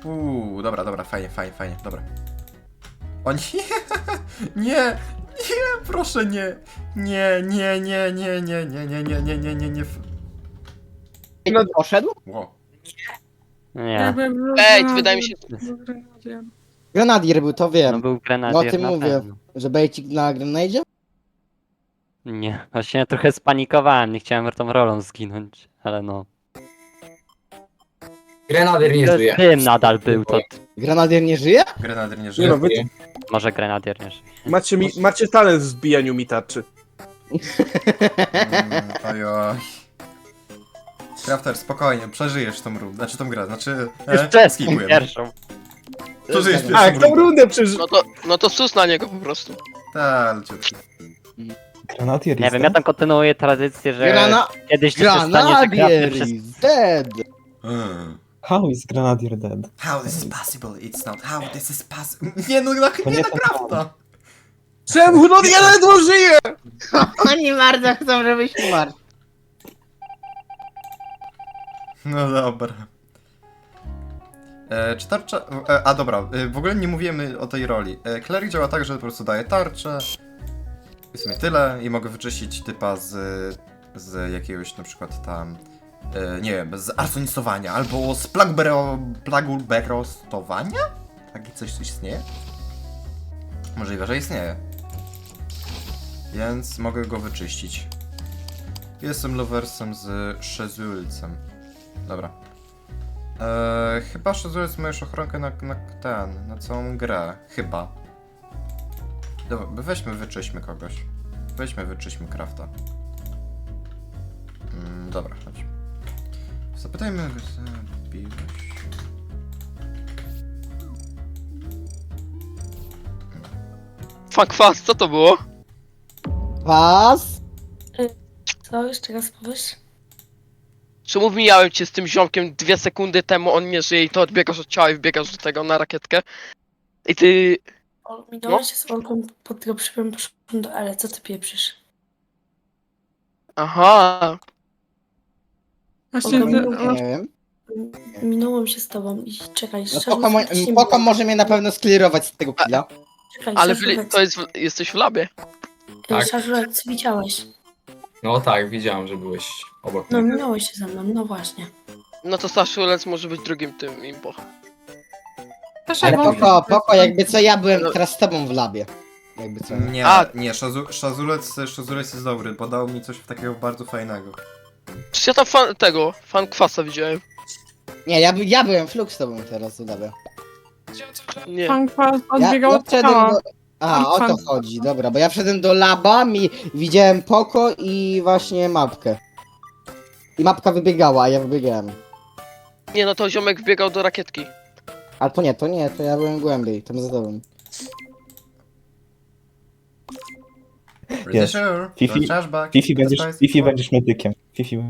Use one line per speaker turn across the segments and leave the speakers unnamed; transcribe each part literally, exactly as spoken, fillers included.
Uuu, dobra, dobra, fajnie, fajnie, fajnie, dobra. O nie, nie, nie, proszę nie. Nie, nie, nie, nie, nie, nie, nie, nie, nie, nie, nie, nie.
No poszedł?
Wow.
Nie,
Ej, wydaje mi się...
Grenadier był, to
no
wiem.
był
No o
grenadier
tym
na
mówię.
pewno.
Że bejcik na grenadzie?
Nie, właśnie trochę spanikowałem, nie chciałem tą rolą zginąć, ale no.
Grenadier nie
To
żyje.
tym nadal był, to
Grenadier nie żyje?
Grenadier nie
Nie
żyje.
no, wy
może grenadier nie żyje.
macie, mi, macie talent w zbijaniu mi tarczy.
Mm, ojoj. Crafter, spokojnie, przeżyjesz tą rundę, znaczy tą grę, znaczy...
Jeszcze
skipujemy.
pierwszą.
Przeżyjesz
A,
pierwszą
jak tą
rundę.
rundę przeży...
No to, no to sus na niego po prostu.
Tak, leciutki.
Granatier
Nie
jest
wiem, ja tam kontynuuję tradycję, że
Grana...
kiedyś to się stanie, że
Granadier
Crafter przez...
is dead!
Mm.
How is Grenadier dead?
How this is possible? It's not how this is possible. Nie no, na,
To
nie
nie
na
ten
Crafta!
Czemu? No ja ledwo żyję!
Oni bardzo chcą, żebyś umarł.
No dobra. E, czy tarcza... E, a dobra, e, w ogóle nie mówimy o tej roli. E, Cleric działa tak, że po prostu daje tarczę. I w sumie tyle. I mogę wyczyścić typa z... z jakiegoś na przykład tam... E, nie wiem, z arsonistowania, albo z plagbero... plaguberostowania? Takie coś tu istnieje? Możliwe, że istnieje. Więc mogę go wyczyścić. Jestem loversem z Szezulcem. Dobra. Eee, chyba Szezulec ma już ochronkę na, na ten, na całą grę. Chyba. Dobra, weźmy, wyczyśmy kogoś. Weźmy, wyczyśmy Crafta. Mm, dobra, chodź. Zapytajmy go, zabiłeś.
Fuck fast, co to było?
Was?
Co? Jeszcze raz powiesz?
Czemu mijałem cię z tym ziomkiem dwie sekundy temu, on nie żyje i to odbiegasz od ciała i wbiegasz do tego na rakietkę? I ty...
O, minąłeś się z Olką pod dropshipem, poszłam do Ele, co ty pieprzysz?
Aha.
Właśnie,
Nie wiem.
minąłem się z tobą i czekaj,
No
szczerze
Poko, mo
mówiąc, nie
Poko
wiem.
może mnie na pewno sklirować z tego killa.
Czekaj,
Ale
szczerze
w,
mówiąc,
to jest, w- jesteś w labie.
tak.
Szarżulek, co widziałeś?
No tak, widziałem, że byłeś obok
No,
mnie.
minąłeś się ze mną, no właśnie.
No to Staszulec może być drugim tym impo.
Ale Poko, Poko, jakby co, ja byłem teraz z tobą w labie. Jakby co.
Nie,
A.
nie, Szazu, Szazulec, Szazulec jest dobry, bo dał mi coś takiego bardzo fajnego.
Przecież ja tam fan tego, fan kwasa widziałem.
Nie, ja, by- ja byłem fluk z tobą teraz w labie.
Nie.
Pan Kwas
Ja,
odbiegał
ja
od
wszedłem
ciała.
do... A, o to chodzi, dobra, bo ja wszedłem do laba, mi widziałem Poko i właśnie mapkę. I mapka wybiegała, a ja wybiegałem.
Nie no to ziomek wbiegał do rakietki.
Ale to nie, to nie, to ja byłem głębiej, tam za tobą.
Pretty
Jest.
sure.
Fifi-
Don't charge back.
Fifi będziesz,
That's
Fifi
nice.
będziesz medykiem. Fifi...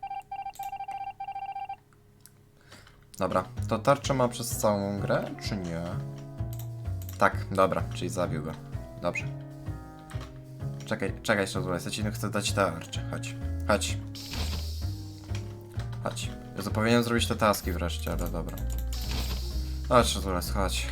Dobra, to tarczę ma przez całą grę, czy nie? Tak, dobra, czyli zabił go. Dobrze. Czekaj, czekaj, Szazulec, ja ci chcę dać tarczę. Chodź, chodź. Chodź. Ja powinienem zrobić te taski wreszcie, ale dobra. Chodź, Szazulec, chodź.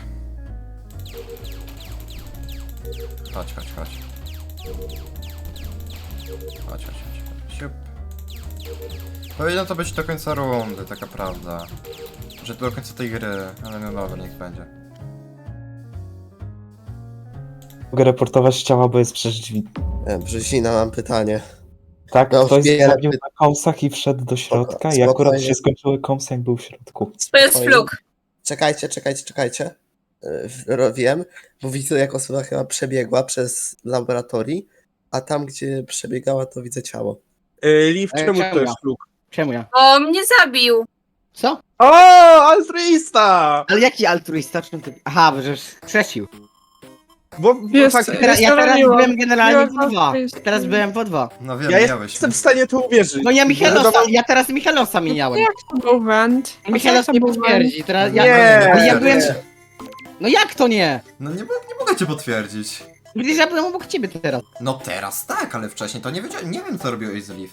Chodź, chodź, chodź. Chodź, chodź, chodź. Siup. Powinno to być do końca rundy, taka prawda. Że do końca tej gry, ale no dobra, niech będzie.
Mogę reportować ciała, bo jest przez drzwi.
Brzezina, mam pytanie.
Tak,
No,
ktoś
wiele
zabił
py-
na komsach i wszedł do środka
Spoko-
i akurat
spokojnie.
się skończyły komsy, jak był w środku.
To jest
Spokojnie.
fluk.
Czekajcie, czekajcie, czekajcie. Yy, Wiem, bo widzę jak osoba chyba przebiegła przez laboratorii, a tam gdzie przebiegała to widzę ciało.
Yy, Liv,
Ej,
czemu
czemu
to
ja?
jest fluk?
Czemu ja?
O, mnie zabił!
Co?
O, altruista!
Ale jaki altruista? Czym ty... Aha, bo żeś strzecił.
Bo, bo
Jest-
fakt,
Teraz, ja teraz
miło.
byłem generalnie
Miło
po dwa.
altruista.
Teraz byłem po dwa.
No wiem,
ja
miałeś.
jestem w stanie to uwierzyć.
No ja Michalosa,
Wiadomo-
ja teraz Michalosa mieniałem.
Jak to był węd?
Michalos
Jak
nie
to był węd?
potwierdzi, teraz ja...
Nie.
Ale ja byłem...
Nie.
No jak to nie?
No nie, mo- nie mogę cię potwierdzić.
Przecież ja byłem obok ciebie teraz.
No teraz tak, ale wcześniej to nie wiedziałem, nie wiem co robiłeś z Liv.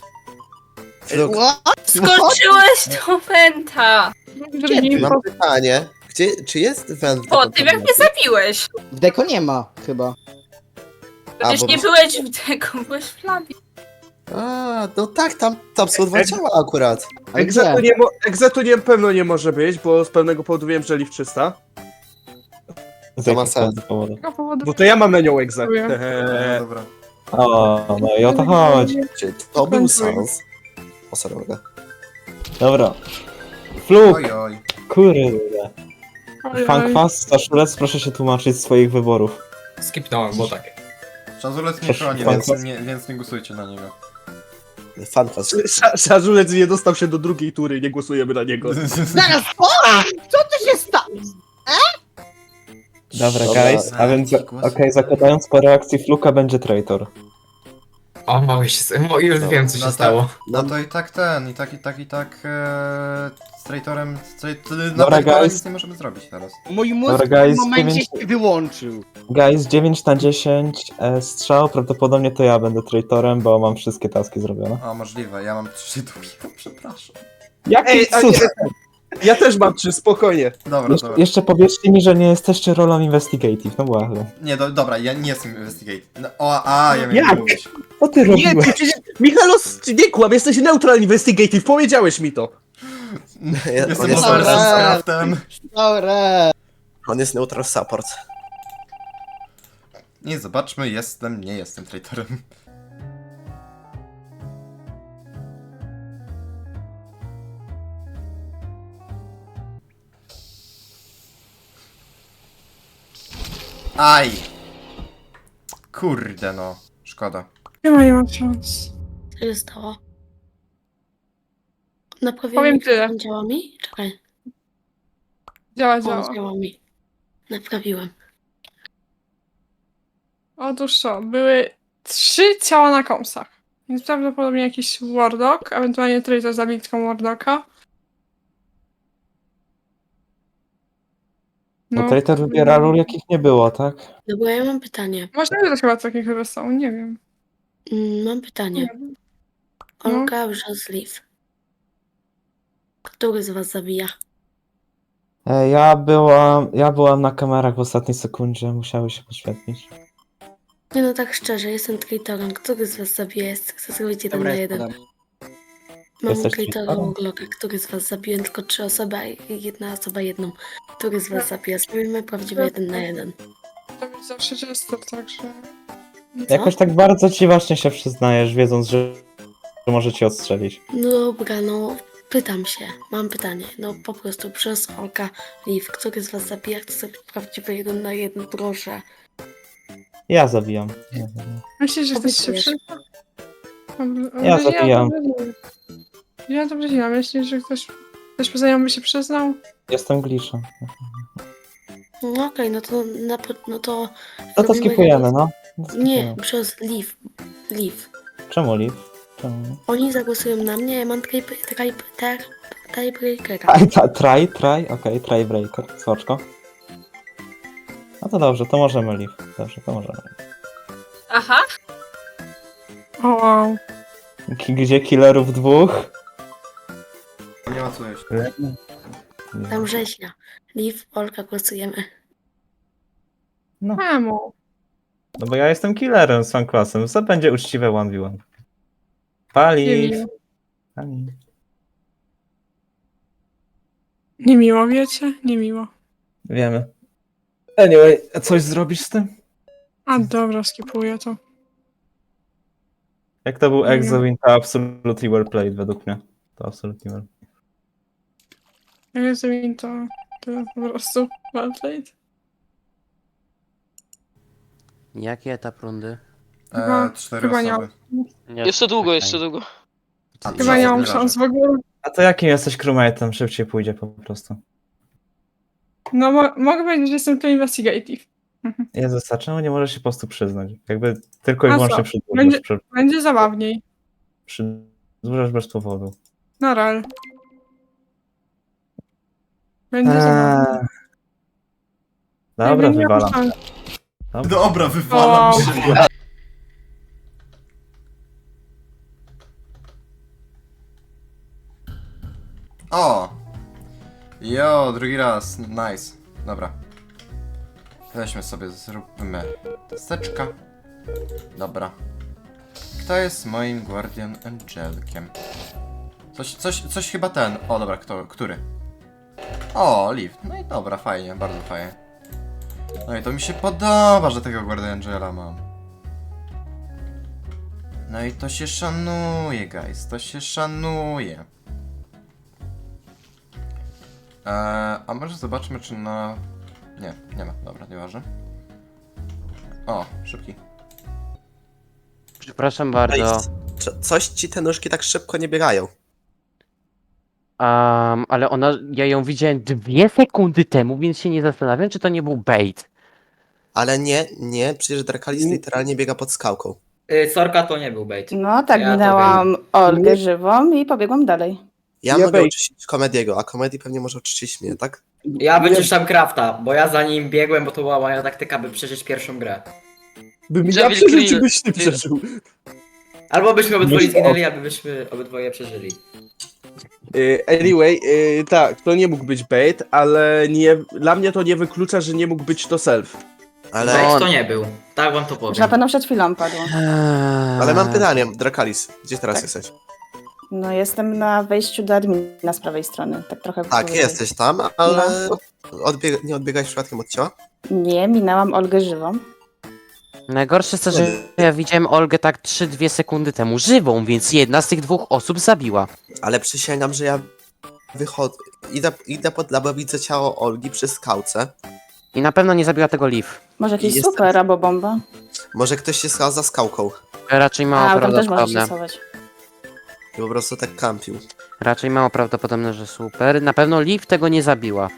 Fluk,
What?
Skoczyłeś do Wenta!
Kiedy?
mam pytanie. Gdzie, czy jest węd? w
Po
tym
tym jak mnie
podmiocie?
zabiłeś.
W deko nie ma chyba.
Przecież
bo-
nie byłeś w tego, byłeś w labie.
A, no tak, tam, tam są dwa ciała akurat.
Ale
Egzetu
gdzie?
nie, mo- Egzetu nie pewno nie może być, bo z pewnego powodu wiem, że Liv czysta.
Z
To ma
jakich
sens.
powodów?
tego powodu.
Bo to ja mam na nią egzę.
Dziękuję.
No
Eee,
dobra.
O, no i o to chodzi.
Czy to był sens? O, sorry, mogę.
Dobra. Fluk,
Oj, oj.
kurde.
Ojej.
Fankwas, Staszulec, proszę się tłumaczyć z swoich wyborów.
Skipnąłem, bo tak.
Czazulec nie
Proszę,
chroni,
pan
więc
klas-
nie, więc nie głosujcie na niego.
Fanfast.
Sza- Szarżulec nie dostał się do drugiej tury, nie głosujemy na niego.
Zaraz, o! Co tu się stało?
Dobra,
Dobra.
guys, a więc,
Jaki
okej,
głos?
zakładając po reakcji Fluka będzie traitor.
O, mały się... Mo, już
No,
wiem, co się
no
stało.
No to i tak ten, i tak, i tak, i tak e, z traitorem, z tra- na
Dobra,
traitora
guys.
nic nie możemy zrobić teraz.
Mój mózg
Dobra,
w tym
guys,
momencie
dziewięć-
się wyłączył.
Guys, dziewięć na dziesięć e, strzał, prawdopodobnie to ja będę traitorem, bo mam wszystkie taski zrobione.
A, możliwe, ja mam trzy dupi, przepraszam.
Jaki
Ej, a
cud!
nie, ja też mam trzy, spokojnie.
Dobra,
Jeszcze,
dobra.
jeszcze powiedzcie mi, że nie jesteście rolą investigative, no błagam.
Nie, do, dobra, ja nie jestem investigate. No, o, a, ja miałem
Jak?
mówić.
Co ty
Nie,
robiłeś?
ty, przecież, Michalos, ty nie kłam, jesteś neutral investigative, powiedziałeś mi to.
Ja-
Jestem
on jest
mordercą z
neutral.
craftem.
Dobra.
On jest neutral support.
Nie, zobaczmy, jestem, nie jestem traitorem. Aj! Kurde no, szkoda.
Nie ma, nie ma szans.
Co się stało? Naprawiłem
Powiem
mikrofon,
tyle.
działa mi? Czekaj.
Działa,
O,
działa.
działa mi. Naprawiłem.
Otóż co, były trzy ciała na komsach. Więc prawdopodobnie jakiś Warlock, ewentualnie traitor zabił tylko Warlocka.
No traitor wybiera ról, jakich nie było, tak?
Dobra, ja mam pytanie.
Można wybrać chyba takich, które są, nie wiem.
Mm, Mam pytanie.
No.
Olga wrząs Liv. Który z was zabija?
E, Ja byłam, ja byłam na kamerach w ostatniej sekundzie, musiały się podświetlić.
Nie no, tak szczerze, jestem traitorem. Który z was zabija? Jest- Chcę zrobić jeden
Dobra,
na
jest
jeden.
podam.
Mam
Jesteś
traitora
traitorem?
Urloka. Który z was zabiłem? Tylko trzy osoby, a jedna osoba jedną. Który z was zabija? Zrobimy prawdziwy jeden na jeden.
To jest zawsze jester, także...
Co?
Jakoś tak bardzo ci właśnie się przyznajesz, wiedząc, że, że może cię odstrzelić.
No dobra, no pytam się. Mam pytanie. No po prostu przez Olka Liv. Który z was zabija? Chcę zrobić prawdziwy jeden na jeden, proszę.
Ja zabijam. Ja zabijam.
Myślisz, że ktoś się
Obiecujesz.
przyzna? Dobra,
Ja
dobra,
zabijam.
dobrze nie wiem. Ja dobrze nie wiem. Myślisz, że ktoś... Ktoś poza nią by się przyznał?
Jestem glitchem.
No okej, no to na, po- no to...
No to
robimy
skipujemy,
jeden-
no.
Nie,
Skipujemy.
przez Liv. Liv.
Czemu Liv? Czemu?
Oni zagłosują na mnie, ja mam type, type, type, tiebreakera.
Try, try, try, try, okej, try breaker, soczko. No to dobrze, to możemy Liv. Dobrze, to możemy.
Aha.
O wow.
Ki- Gdzie killerów dwóch?
Nie ma co jeść.
Tam rzeźnia. Liv, Olka, głosujemy.
Czemu?
No bo ja jestem killerem z fanklasem, co będzie uczciwe jeden v jeden.
Nie
Paliw.
miło.
Paliw.
Niemiło, wiecie? Niemiło.
Wiemy. Anyway, coś zrobisz z tym?
A dobra, skipuję to.
Jak to był
Nie
Exo win, to absolutely well played według mnie. To absolutnie well.
Jak jest win, to, to po prostu well played.
Jaki etap rundy?
Chyba-
E, cztery
chyba nie
osoby.
Nie,
Jeszcze długo,
czekaj.
jeszcze długo.
A,
Chyba nie mam szans w ogóle.
A to jakim jesteś crewmate'em? Szybciej pójdzie po prostu.
No mo mogę powiedzieć, że jestem tu investigative.
Jezus, a czemu nie możesz się po prostu przyznać? Jakby tylko i
A
wyłącznie
co?
przedłużasz,
Będzie-
przy,
Będzie zabawniej.
przedłużasz bez powodu.
Na real. Będzie
Eee,
zabawniej.
Dobra,
Nie miałam
wywalam.
szans.
Dobra, wywalam
O.
się. O! Jo, drugi raz, nice. dobra. Weźmy sobie, zróbmy testeczka. Dobra. Kto jest moim Guardian Angelkiem? Coś, coś, coś chyba ten. O, dobra, kto, który? O, Liv. No i dobra, fajnie, bardzo fajnie. No i to mi się podoba, że tego Guardian Angela mam. No i to się szanuje, guys, to się szanuje. Eee, a może zobaczmy, czy na... Nie, nie ma, dobra, nieważne. O, szybki.
Przepraszam bardzo.
Ej, co- Coś ci te nóżki tak szybko nie biegają.
Um, ale ona, ja ją widziałem dwie sekundy temu, więc się nie zastanawiam, czy to nie był bait.
Ale nie, nie, przecież Drakalis literalnie biega pod skałką.
Y, Sorka to nie był bait.
No tak,
Ja to
minęłam Olgę
Nie.
żywą i pobiegłam dalej.
Ja
Ja
mogę
wej-
oczyścić Komediego, a Komedii pewnie może oczyścić mnie, tak?
Ja wyczyszczam Crafta, bo ja za nim biegłem, bo to była moja taktyka, by przeżyć pierwszą grę.
Bym ja
Żebym
przeżył,
clear.
czy byś ty przeżył.
Albo byśmy obydwoje
Myślę o-
zginęli, albo byśmy obydwoje przeżyli.
Y, Anyway, y, tak, to nie mógł być bait, ale nie, dla mnie to nie wyklucza, że nie mógł być to self.
Ale,
Bait to nie był. Tak wam to
Już na
powiem.
pewno przed chwilą padło.
ale mam pytanie, Drakalis, gdzie teraz
Tak.
jesteś?
No jestem na wejściu do admina z prawej strony, tak trochę
Tak,
powyżej.
jesteś tam, ale odbieg nie odbiegałeś przypadkiem od ciała?
Nie, minęłam Olgę żywą.
Najgorsze jest to, że ja widziałem Olgę tak trzy dwie sekundy temu żywą, więc jedna z tych dwóch osób zabiła.
Ale przysięgam, że ja wychodzę, idę, idę pod labo, widzę ciało Olgi przy skałce.
I na pewno nie zabiła tego Liv.
Może jakiś
Jestem-
super albo bomba.
Może ktoś się schał za skałką
Raczej mało
A, tam też może się
prawdopodobne.
schować.
i po prostu tak kampił.
Raczej mało prawdopodobne, że super. Na pewno Liv tego nie zabiła.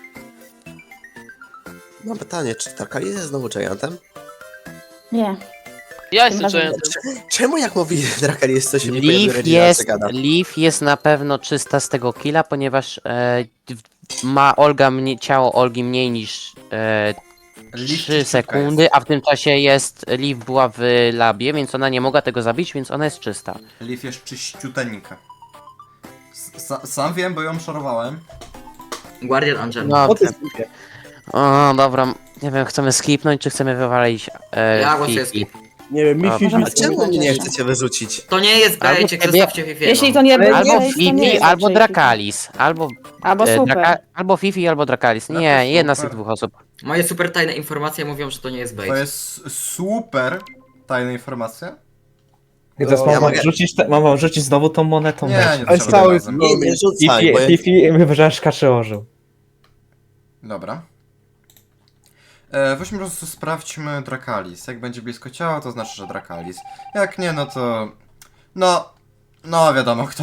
Mam pytanie, czy Drakalis jest znowu Giantem?
Nie.
Ja
Tym
jestem
razem
Giantem.
Czemu jak mówi Drakalis, to się nie
Liv
pojawia
jest,
gada?
Liv jest na pewno czysta z tego killa, ponieważ e, w- ma Olga mnie, ciało Olgi mniej niż e,
Liv
trzy sekundy, a w tym czasie jest Liv była w labie, więc ona nie mogła tego zabić, więc ona jest czysta.
Liv jest czyściuteńka. S- Sam wiem, bo ją szorowałem.
Guardian Angel.
O,
No,
ty sobie.
o, dobra, nie wiem, chcemy skipnąć, czy chcemy wywalić e,
Ja głosuję
Fifi?
skip.
Nie wiem, mi
A,
Fifi...
A czemu mnie nie chcecie wyrzucić?
To nie jest
Albo
baicie,
ciebie-
zostawcie Fifiego.
Jeśli to nie był
Albo
bait, to nie
Fifi,
jest
albo
raczej
Drakalis, albo,
Fifi. Albo
e,
super.
Draka, albo Fifi, albo Drakalis. Nie,
Draka,
jedna z tych
super.
dwóch osób.
Moje super tajne informacje mówią, że to nie jest bait.
To jest super tajna informacja.
I teraz
No,
mam
ja
wam
mogę-
rzucić, te, mam wam rzucić znowu tą monetą.
Nie,
weź.
nie
Ale
trzeba
cały-
razem.
Nie, nie rzucaj,
Fifi,
bo ja...
Fifi mi wyżasz przełożył.
Dobra. E, weźmy po prostu sprawdźmy Drakalis. Jak będzie blisko ciała, to znaczy, że Drakalis. Jak nie, no to... No... No, wiadomo kto.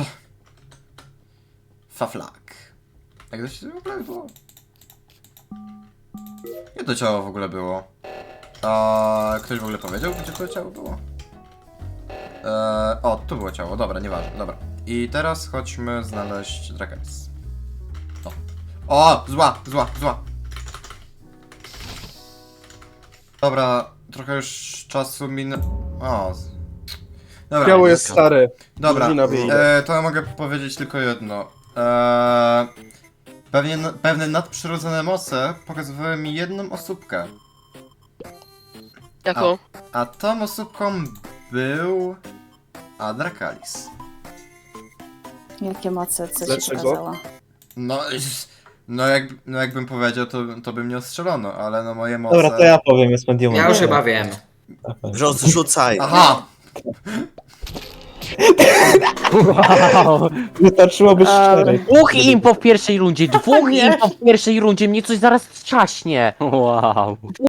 Faflak. Jak to się w ogóle było? Gdzie to ciało w ogóle było? A ktoś w ogóle powiedział, gdzie to ciało było? E, o, tu było ciało, dobra, nieważne, dobra. I teraz chodźmy znaleźć Drakalis. O, o zła, zła, zła. Dobra, trochę już czasu min... O. z- Dobra,
Ciało jest stare.
dobra,
Drużyna wyjdzie.
e, to ja mogę powiedzieć tylko jedno. E, pewnie, pewne nadprzyrodzone moce pokazywały mi jedną osóbkę.
Jaką?
A tą osóbką był... Adrakalis.
Jakie moce, co ci
Dlaczego?
pokazała?
No, no, jak, no jakbym powiedział, to, to by mnie ostrzelono, ale no moje moce...
Dobra, to ja powiem, jest mediumem.
Ja już chyba wiem.
Rozrzucaj.
Aha!
Wow.
Wystarczyłoby
Dobra.
cztery.
Dwóch impo w pierwszej rundzie, dwóch
Nie.
impo w pierwszej rundzie, mnie coś zaraz trzaśnie. Wow.